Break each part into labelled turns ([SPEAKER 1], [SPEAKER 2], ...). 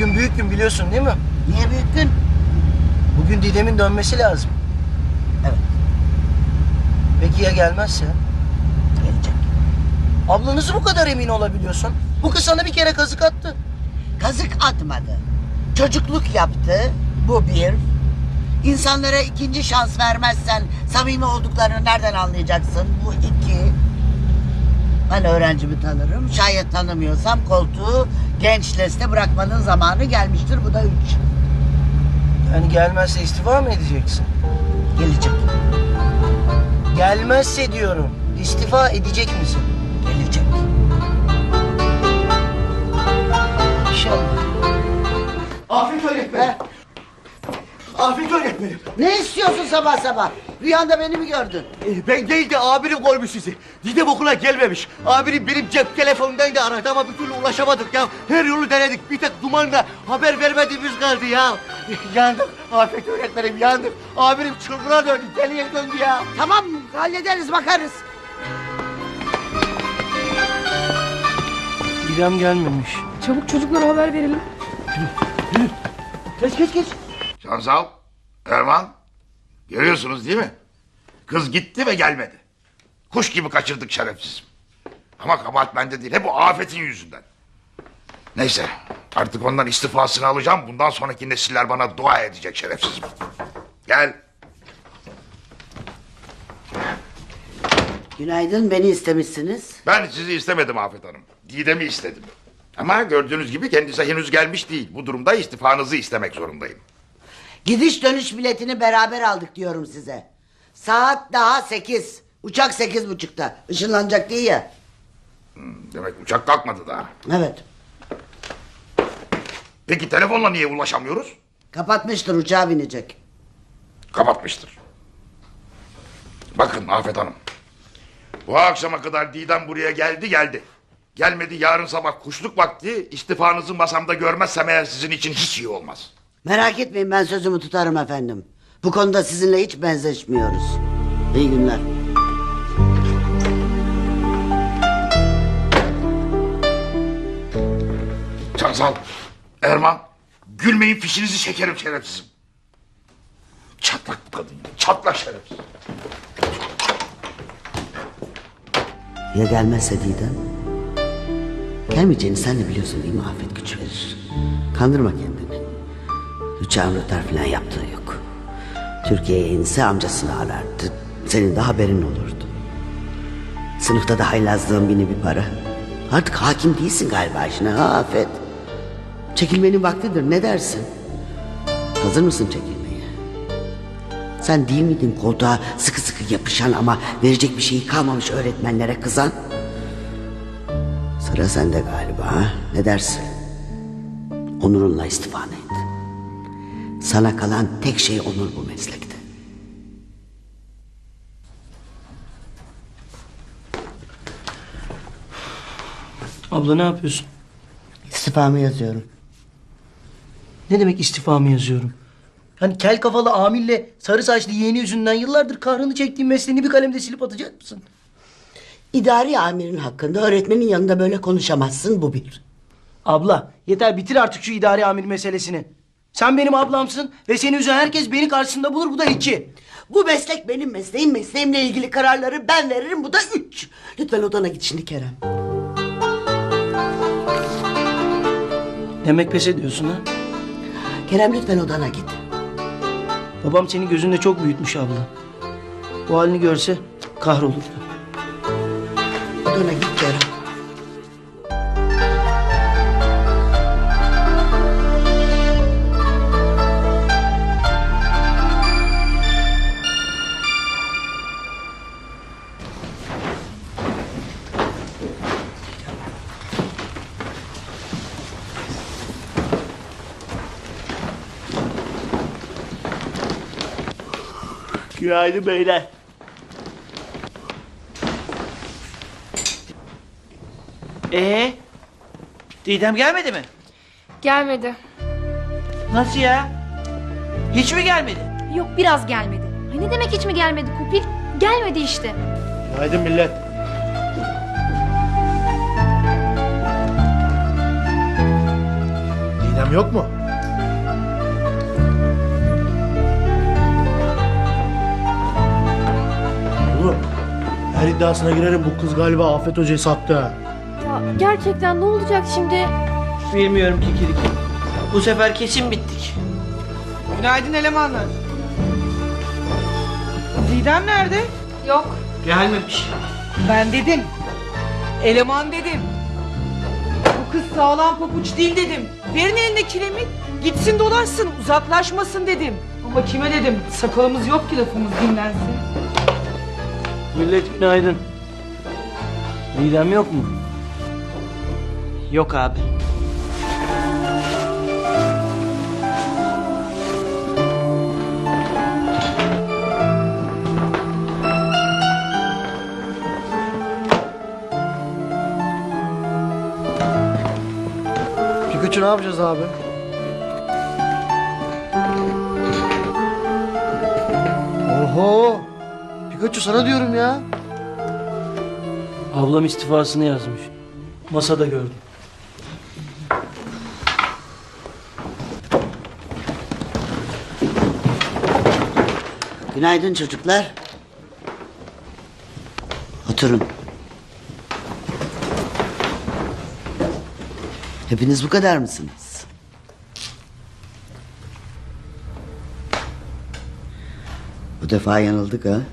[SPEAKER 1] Bugün büyük gün biliyorsun değil mi?
[SPEAKER 2] Niye büyük gün?
[SPEAKER 1] Bugün Didem'in dönmesi lazım.
[SPEAKER 2] Evet,
[SPEAKER 1] Peki ya gelmezse?
[SPEAKER 2] gelecek.
[SPEAKER 1] Abla nasıl bu kadar emin olabiliyorsun? Bu kız sana bir kere kazık attı.
[SPEAKER 2] Kazık atmadı. Çocukluk yaptı. Bu bir. İnsanlara ikinci şans vermezsen samimi olduklarını nereden anlayacaksın? Bu iki. Ben öğrencimi tanırım. Şayet tanımıyorsam koltuğu genç leste bırakmanın zamanı gelmiştir. Bu da üç.
[SPEAKER 1] Yani gelmezse istifa mı edeceksin?
[SPEAKER 2] Gelecek.
[SPEAKER 1] Gelmezse diyorum. İstifa edecek misin?
[SPEAKER 2] Gelecek.
[SPEAKER 1] İnşallah.
[SPEAKER 3] Afet öğretmenim. Afet öğretmenim.
[SPEAKER 2] Ne istiyorsun sabah sabah? Rüyanda beni mi gördün?
[SPEAKER 3] Ben değil de abim koymuş sizi. Didem okula gelmemiş. Abim benim cep telefonundan da aradı ama bir türlü ulaşamadık ya. Her yolu denedik. Bir tek dumanla haber vermediğimiz kaldı ya. Yandık Afet öğretmenim yandık. Abim çılgına döndü, deliye döndü ya.
[SPEAKER 2] Tamam, hallederiz, bakarız.
[SPEAKER 1] Didem gelmemiş.
[SPEAKER 4] Çabuk çocuklara haber verelim.
[SPEAKER 3] Geç.
[SPEAKER 5] Şansal, Erman, görüyorsunuz değil mi? Kız gitti ve gelmedi. Kuş gibi kaçırdık şerefsiz. Ama kabahat bende değil, hep bu afetin yüzünden. Neyse, artık ondan istifasını alacağım. Bundan sonraki nesiller bana dua edecek şerefsizim. Gel.
[SPEAKER 2] Günaydın, beni istemişsiniz.
[SPEAKER 5] Ben sizi istemedim Afet Hanım. Didem'i istedim. Ama gördüğünüz gibi kendisi henüz gelmiş değil. Bu durumda istifanızı istemek zorundayım.
[SPEAKER 2] Gidiş dönüş biletini beraber aldık diyorum size. Saat daha 8. Uçak 8.30'da. Işınlanacak değil ya.
[SPEAKER 5] Demek uçak kalkmadı daha.
[SPEAKER 2] Evet.
[SPEAKER 5] Peki telefonla niye ulaşamıyoruz?
[SPEAKER 2] Kapatmıştır, uçağa binecek.
[SPEAKER 5] Kapatmıştır. Bakın Afet Hanım. Bu akşama kadar Didem buraya geldi. Gelmedi, yarın sabah kuşluk vakti istifanızı masamda görmezsem eğer sizin için hiç iyi olmaz.
[SPEAKER 2] Merak etmeyin, ben sözümü tutarım efendim. Bu konuda sizinle hiç benzeşmiyoruz. İyi günler.
[SPEAKER 5] Çansal, Erman, gülmeyin fişinizi çekerim şerefsizim. Çatlak bu kadın ya, çatlak şerefsiz.
[SPEAKER 2] Ya gelmezse Didem? Gelmeyeceğini sen de biliyorsun değil mi? Afet güç verir. Kandırma kendini. Uçağın rötar falan yaptığı yok. Türkiye'ye inse amcasını arardı. Senin de haberin olurdu. Sınıfta da haylazlığın bini bir para. Artık hakim değilsin galiba işine ha Afet. Çekilmenin vaktidir, ne dersin? Hazır mısın çekilmeye? Sen değil miydin koltuğa sıkı sıkı yapışan ama verecek bir şeyi kalmamış öğretmenlere kızan? Sıra sende galiba ha? Ne dersin? Onurunla istifanı et. Sana kalan tek şey onur bu meslekte.
[SPEAKER 1] Abla ne yapıyorsun?
[SPEAKER 2] İstifamı yazıyorum.
[SPEAKER 1] Ne demek istifamı yazıyorum? Hani kel kafalı amille sarı saçlı yeğeni yüzünden yıllardır kahrını çektiğin mesleğini bir kalemde silip atacak mısın?
[SPEAKER 2] İdari amirin hakkında öğretmenin yanında böyle konuşamazsın, bu bir.
[SPEAKER 1] Abla yeter, bitir artık şu idari amir meselesini. Sen benim ablamsın ve seni üzen herkes beni karşısında bulur, bu da 2.
[SPEAKER 2] Bu meslek benim mesleğim, mesleğimle ilgili kararları ben veririm, bu da 3. Lütfen odana git şimdi Kerem.
[SPEAKER 1] Demek pes ediyorsun ha?
[SPEAKER 2] Kerem lütfen odana git.
[SPEAKER 1] Babam seni gözünde çok büyütmüş abla. Bu halini görse kahrolurdu.
[SPEAKER 2] Odana git Kerem.
[SPEAKER 3] Günaydın beyler.
[SPEAKER 6] Didem gelmedi mi?
[SPEAKER 4] Gelmedi.
[SPEAKER 6] Nasıl ya? Hiç mi gelmedi?
[SPEAKER 4] Yok, biraz gelmedi. Ay ne demek hiç mi gelmedi Kopil? Gelmedi işte.
[SPEAKER 3] Günaydın millet.
[SPEAKER 5] Didem
[SPEAKER 7] İddiam yok mu? Oğlum her iddiasına girerim, bu kız galiba Afet Hoca'yı sattı ha.
[SPEAKER 4] Ya gerçekten ne olacak şimdi?
[SPEAKER 6] Bilmiyorum Kikirik. Bu sefer kesin bittik.
[SPEAKER 8] Günaydın elemanlar. Didem nerede?
[SPEAKER 4] Yok.
[SPEAKER 6] Gelmemiş.
[SPEAKER 8] Ben dedim. Eleman dedim. Bu kız sağlam pabuç değil dedim. Verin eline kiremit. Gitsin dolaşsın, uzaklaşmasın dedim. Ama kime dedim? Sakalımız yok ki lafımız dinlensin.
[SPEAKER 1] Millet günaydın. Didem yok mu?
[SPEAKER 6] Yok abi.
[SPEAKER 7] Pikachu ne yapacağız abi? Oho! Pikachu sana diyorum ya.
[SPEAKER 1] Ablam istifasını yazmış. Masada gördüm.
[SPEAKER 2] Günaydın çocuklar. Oturun. Hepiniz bu kadar mısınız? Bu defa yanıldık ha.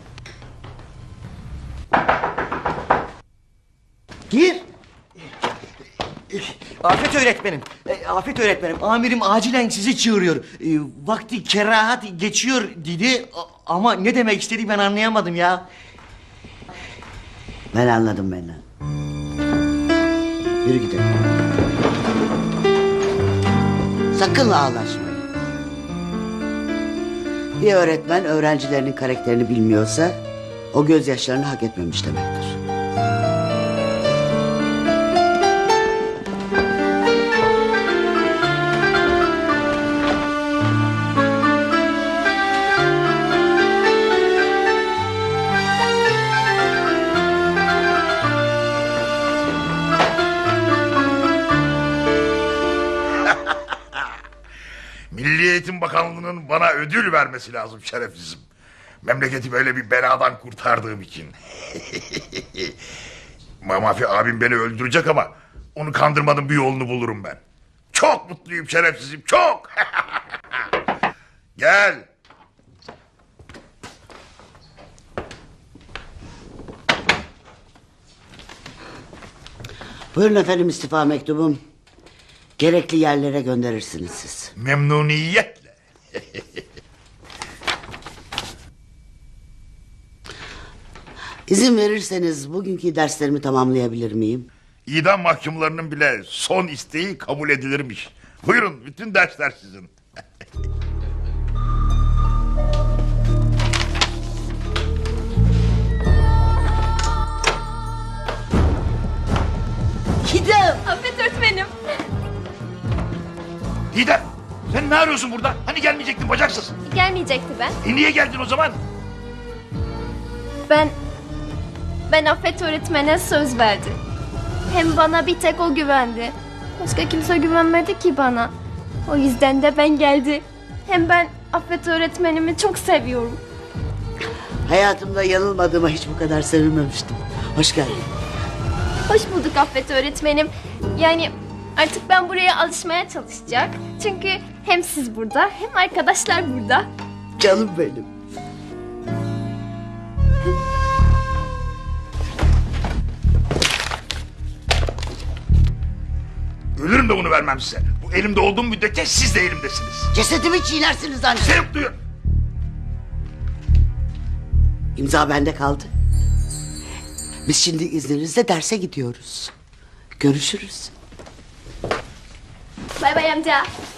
[SPEAKER 3] Gir. Afet öğretmenim. Afet öğretmenim. Amirim acilen sizi çağırıyor. Vakti kerahat geçiyor dedi. Ama ne demek istedi ben anlayamadım ya.
[SPEAKER 2] Ben anladım beni. Yürü gidelim. Sakın ağlaşmayın. Bir öğretmen öğrencilerinin karakterini bilmiyorsa o gözyaşlarını hak etmemiş demektir.
[SPEAKER 5] Milli Eğitim Bakanlığı'nın bana ödül vermesi lazım şerefsizim. Memleketi böyle bir beladan kurtardığım için. Mamafi abim beni öldürecek ama onu kandırmanın bir yolunu bulurum ben. Çok mutluyum şerefsizim, çok. Gel.
[SPEAKER 2] Buyurun efendim istifa mektubum. Gerekli yerlere gönderirsiniz siz.
[SPEAKER 5] Memnuniyetle.
[SPEAKER 2] İzin verirseniz bugünkü derslerimi tamamlayabilir miyim?
[SPEAKER 5] İdam mahkumlarının bile son isteği kabul edilirmiş. Buyurun, bütün dersler sizin.
[SPEAKER 2] Gidem!
[SPEAKER 4] Afet öğretmenim.
[SPEAKER 5] Didem, sen ne arıyorsun burada? Hani gelmeyecektin bacaksız?
[SPEAKER 4] Gelmeyecekti ben.
[SPEAKER 5] Niye geldin o zaman?
[SPEAKER 4] Ben Afet öğretmene söz verdim. Hem bana bir tek o güvendi. Başka kimse güvenmedi ki bana. O yüzden de ben geldi. Hem ben Afet öğretmenimi çok seviyorum.
[SPEAKER 2] Hayatımda yanılmadığıma hiç bu kadar sevinmemiştim. Hoş geldin.
[SPEAKER 4] Hoş bulduk Afet öğretmenim. Yani artık ben buraya alışmaya çalışacak. Çünkü hem siz burada hem arkadaşlar burada.
[SPEAKER 2] Canım benim.
[SPEAKER 5] Ölürüm de bunu vermem size. Bu elimde olduğum müddetçe siz de elimdesiniz.
[SPEAKER 2] Cesedimi çiğnersiniz anne.
[SPEAKER 5] Sevip duyun.
[SPEAKER 2] İmza bende kaldı. Biz şimdi izninizle derse gidiyoruz. Görüşürüz.
[SPEAKER 4] Bay bay amca.